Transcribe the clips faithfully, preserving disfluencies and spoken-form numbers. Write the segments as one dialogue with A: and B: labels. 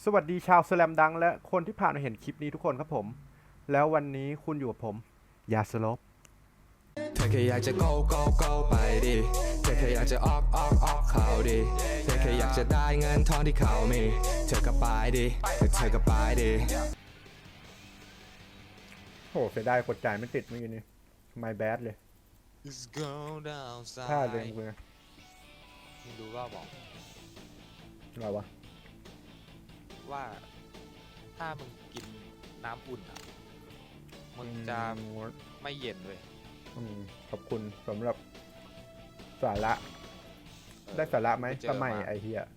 A: สวัสดีชาวสแลมดังและคนที่ผ่านมาเห็นคลิปนี้ทุกคนครับผมแล้ววันนี้คุณอยู่กับผมยาสลบ
B: เธอแค่อยากจะ go go go ไปดิเธอแค่อยากจะออกออกออกเขาดิเธอแค่อยากจะได้เงินทองที่เขามีเธอก็ไปดิเธอก็ไปดิ
A: โหเสียดายกดจ่ายไม่ติดเมื่อกี้นี้ my bad เลย
C: Let's go down
A: พลาดเลย
C: side
A: มึง
C: มึงดูว่าบอก
A: อะไรวะ
C: ว่าถ้ามึงกินน้ำอุ่นอ่ะมึงจะไม่เย็นเลย
A: อืมขอบคุณสำหรับสาระได้สาระไหมทำไมไอเฮีย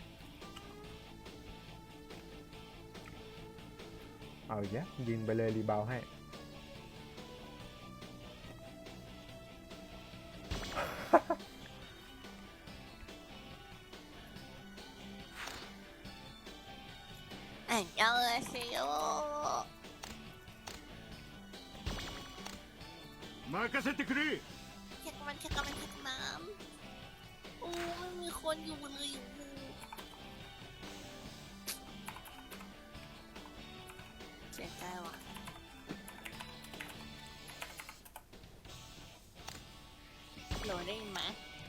A: เอาอีกแล้วยิงไปเลยรีบาวให้
D: อันยองอาเซโย
E: 任せてくれ
D: เช็คมันเช็คมันเช็คน้ำโอ้ไม่มีคนอยู่เลยอยู่เสียใจว่ะโหลได้ยินไหม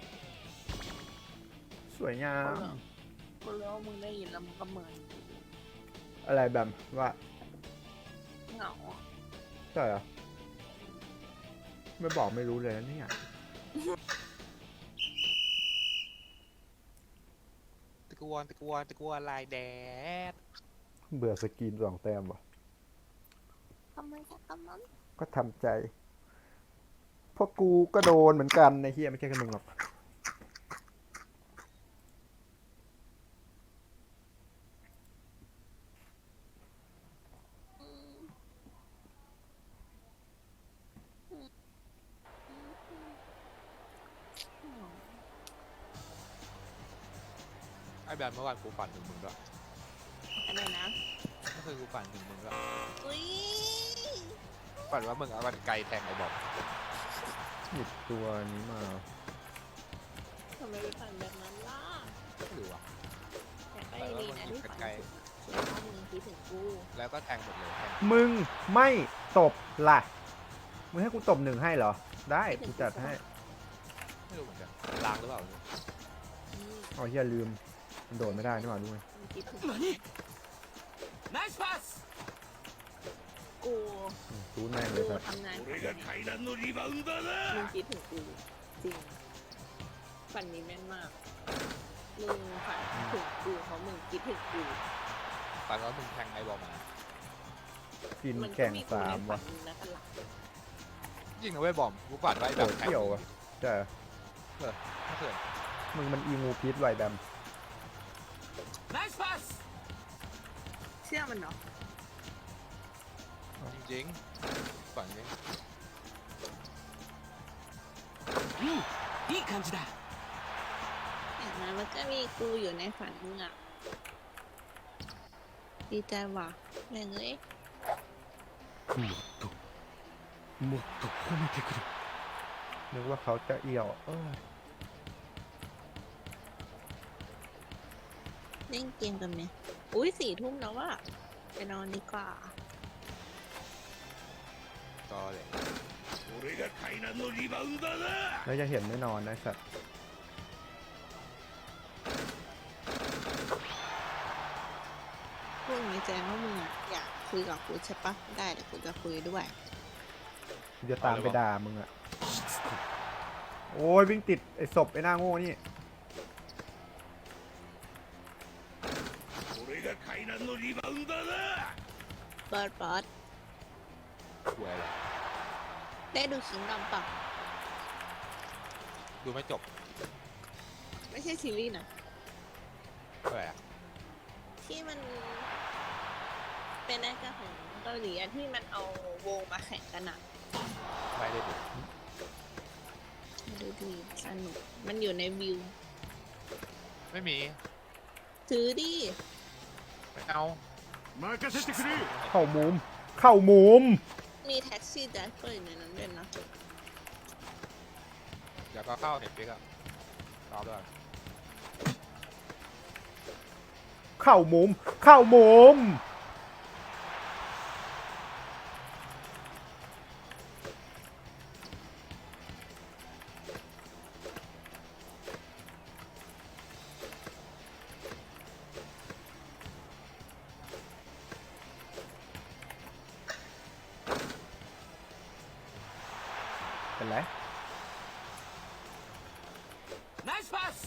A: สวยงาม
D: กูรู้ว่ามึงได้ยินแล้วมึงก็เหมือน
A: อะไรแบบว่า
D: เหงาอ่ะ
A: ใช่เหรอไม่บอกไม่รู้เลยนะเนี่ย
C: ตะกวนตะกวนตะกวนลายแดด
A: เบื่อสกรีนสองแต้มว่ะ
D: ทำไมแค่กำนั้น
A: ก็ทำใจเพราะกูก็โดนเหมือนกันในเฮียไม่ใช่แค่มึงหรอก
C: ไอ้แบบเมื่อวานกูฝันถึงมึงด้วย
D: อะไรนะ
C: เมื่อคืนกูฝันถึงมึงด้วย
D: อุ้ย
C: ฝันว่ามึงเอากันไกลแทงไอ้บอม
A: หยิบตัวนี้มา
D: ทำไมไปฝันแบบนั้นล่ะ
C: ไม่รู้อ่ะ
D: อยากได้ดีนะที่ฝันถึงว่ามึงคิดถึงกู
C: แล้วก็แทงหมดเลยแทง
A: มึงไม่ตบล่ะมึงให้กูตบหนึ่งให้เหรอได้กูจัดให้
C: ไม่รู้เหมือนกันล้างหรือเปล่า
A: เอาเฮียลืมมันโดดไม่ได้นี่หว่าด้วย
D: มึงคิดถึง
B: ナイスパス
D: กู
A: รู้แม่งเล
D: กู
A: ยครับ
D: ทำงาน
E: 俺が階段のリバウンダー
D: มึง
E: だ
D: คิดถึงกูจริงฝันนี้แม่นมากมึงฝันถึงกูเพราะมึงคิดถึงกู
C: ฝันว่ามึงแทงไอ้บอมมา
A: กิน
D: มัน
A: แก
D: ก็
A: ง
D: มีกู
A: สา
D: ใน
A: ม
D: ฝั
A: ว่ะ
D: นนะครับหลัก
C: จริงนะเว้ยบอมกูฝันว่าไอ้
A: โห
C: แบบแทง
A: เที่ยวว่ะใช่
C: ไม่เคย
A: มึงมันอีงูพิษไวแบม
B: ナイスパス
D: เชื่อมันเนาะ
C: จริงๆฝันนี้
B: うんいい感じだ
D: อย่างนั้นมันก็มีกูอยู่ในฝันมึงอ่ะดีใจว่ะแม่งเอ้ย
E: もっともっと褒めてくれ
A: นึกว่าเขาจะเอี่ยวเออ
D: เล่นเกมกันไหมอุ้ยสี่ทุ่มแล้วว่ะไปนอนดีกว่า
C: ก็เลย
E: 俺が階段のリバウンダーだ
A: แล้วจะเห็นไม่นอนนะสัตว์
D: พวกนี้แจ้งว่ามึงอะอยากคุยกับกูใช่ปะได้เดี๋ยวกูจะคุยด้วย
A: กูจะตามไปด่ามึงอะโอ้ยวิ่งติดไอ้ศพไอ้หน้าโง่นี่
E: 俺が階段のリバウンダーだ
D: เปิดป๊อด
C: กลัวอะไร
D: ได้ดูคิงดำปะ
C: ดูไม่จบ
D: ไม่ใช่ซีรีส์นะ
C: อะไรอ่ะ
D: ที่มัน เป็นรายการของเกาหลีอะที่มันเอาวงมาแข่งกันอะ
C: ไม่ได้ดู
D: ดูดีสนุกมันอยู่ในวิว
C: ไม่มี
D: ซื้อดิ
C: ไม่เอา
E: 任せてくれ
A: เข้ามุม เข้ามุม
D: มีแท็กซี่ไดรเวอร์อยู่ในนั้นด้วยนะ
C: เดี๋ยวก็เข้าเน็ตฟลิกซ์อะรอด้วย
A: เข้ามุม เข้ามุม เป็นไร
E: ナイスパス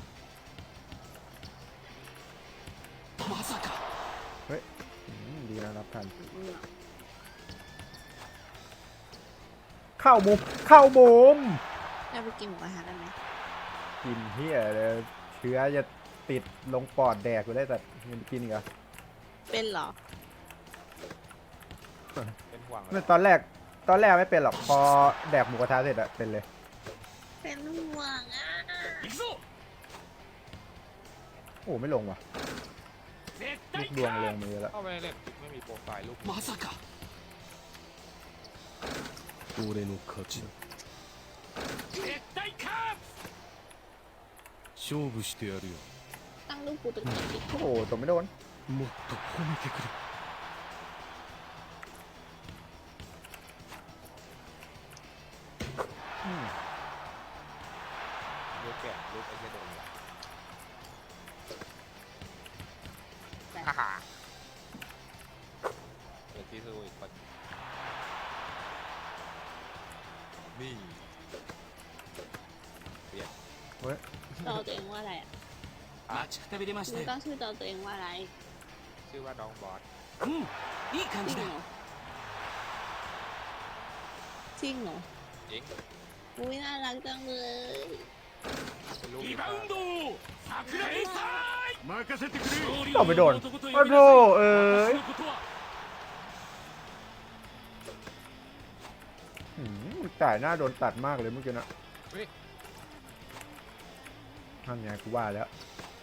E: まさか
A: เฮ้ยอืมดีนะรับทัน เข้ามุม เข้ามุม
D: เราไปกินหมูกระทะกันไหม
A: กินเฮียเลยเชื้อจะติดลงปอดแดกไปได้แต่ยังกินอีกเหรอ
D: เป็นเหรอ
C: เป็นห่วง
A: ไม่ตอนแรก ตอนแรกไม่เป็นหรอก พอแดกหมูกระทะเสร็จอะเป็นเลย
D: เป็นห่วงอ่ะ
E: 行くぞ
A: โอ้ไม่ลงว่ะ
E: 絶
A: ลู
E: 対
A: กดวงลงมือแล้ว
C: เข้าไปเล่นไม่มีโปรไฟล์ลูก
E: まさか俺の勝ちだ絶対勝つ勝負してやるよ
D: ตั้งรูปกูตึกไหนดิ
A: โอ้โหตบไม่โดน
E: もっと褒めてくれ
A: อืม
C: ลูกแก่ลูกไอ้เหี้ยโดน
D: แต่
C: ฮ่าฮ่าเดี๋ยวที่สู้อีกคนนี่เปลี่ยน
A: เฮ้ย
D: ต่อตัวเองว่าอะไรอ่ะ
E: 待ちくたびれまし
D: มึ
E: た
D: ง
E: よ
D: ตั้งชื่อต่อตัวเองว่าอะไร
C: ชื่อว่าน้องบอส
E: うんいい感
D: จริ
E: じ
D: ง
E: だ
D: เหรอจริงเหรอ
C: เอง
D: อุ้ยน่ารักจังเลย
C: เป็นลูก
E: リバウンド桜井さん任せてくれ
A: ตบไม่โดน โอ้โหเอ้ยอืมจ่ายหน้าโดนตัดมากเลยเมื่อกี้นะทำไงกูว่าแล้ว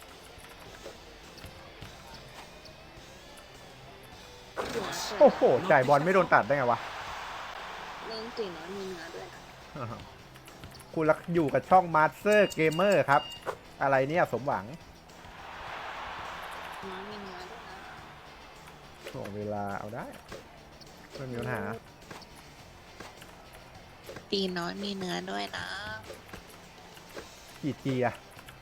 D: หัวเปิ
A: โอ้
D: ด
A: โห จ่ายบอลไม่โดนตัดได้ไงวะ
D: เรื่องจริงเนาะมีเนื้อด้วยนะ
A: คุณรักอยู่กับช่อง Master Gamer ครับ อะไรเนี่ยสมหวัง
D: น้องมีเนื้อด้วยนะ
A: ส่งเวลาเอาได้ ไม่มีปัญหา
D: ตีน้อยมีเนื้อด้วยนะ
A: กี่จีอะ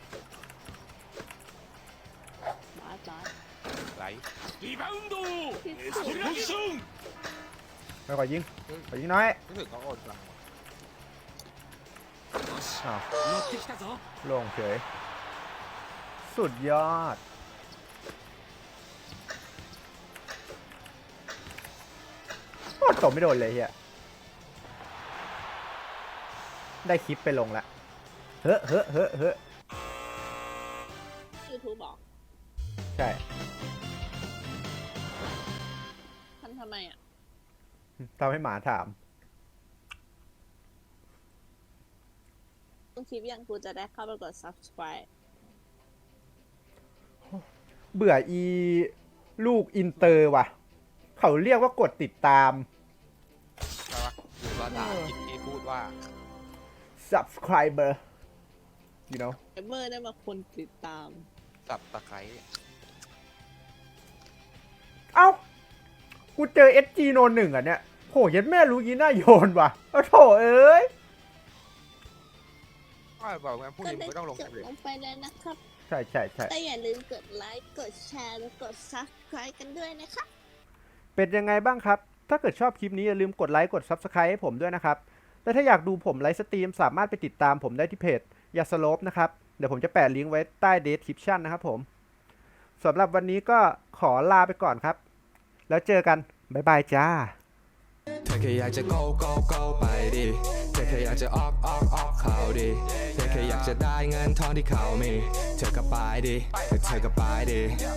D: บอสบอส
C: ไหล
E: リバウンド
D: ที่
E: エス
D: สุ
E: ト
D: ด
E: ラクション
A: ไม่ขอยิงขอยิงน้อย
C: รู้สึกเขาโอนตังค์
E: よし
A: อ้าว
E: 乗ってきたぞ
A: ลงเฉย สุดยอด โอ้ตบไม่โดนเลยเฮียได้คลิปไปลงละ เฮ้อเฮ้อเฮ้อเฮ้อ
D: ยูทูบบอก
A: ใช่
D: ทำทำไมอ่ะ
A: ทำให้หมาถาม
D: ต้องคลิปยังกูจะได้เข้าไปกด subscribe
A: เบื่ออีลูกอินเตอร์ว่ะ เขาเรียกว่ากดติดตาม
C: ใช่ปะหรือว่าถามคิดที่พูดว่า
A: subscriber you know
D: เอเมอร์ได้มาคนติดตาม
C: สับตะไคร้
A: เอ้า กูเจอ เอส จี โนหนึ่งอ่ะเนี่ยโหยัดแม่รู้ยีน่าโยนว่ะโอ้โถเอ้ย
C: ว่าบอกงั้นพรุ่ง
D: ก็
C: นี้
D: ได้
C: ไม่ต้องลง
D: จบ
C: เลย
D: ลงไปแล้วนะครับ
A: ใช่ใช่ใช่
D: แต่อย่าลืมกดไลค์ กดแชร์ และกด subscribe กันด้วยนะคะ
A: เป็นยังไงบ้างครับ ถ้าเกิดชอบคลิปนี้อย่าลืมกดไลค์ กด Subscribe ให้ผมด้วยนะครับ และถ้าอยากดูผมไลฟ์สตรีมสามารถไปติดตามผมได้ที่เพจยาสโลปนะครับ เดี๋ยวผมจะแปะลิงก์ไว้ใต้ description นะครับผมสำหรับวันนี้ก็ขอลาไปก่อนครับ แล้วเจอกัน บ๊ายบายจ้า
B: เธอแค่อยากจะ go go go ไปดิเธอแค่อยากจะออกออกออกเขาดิเธอแค่อยากจะได้เงินทองที่เขามี เธอก็ไปดิเธอก็ไปดิ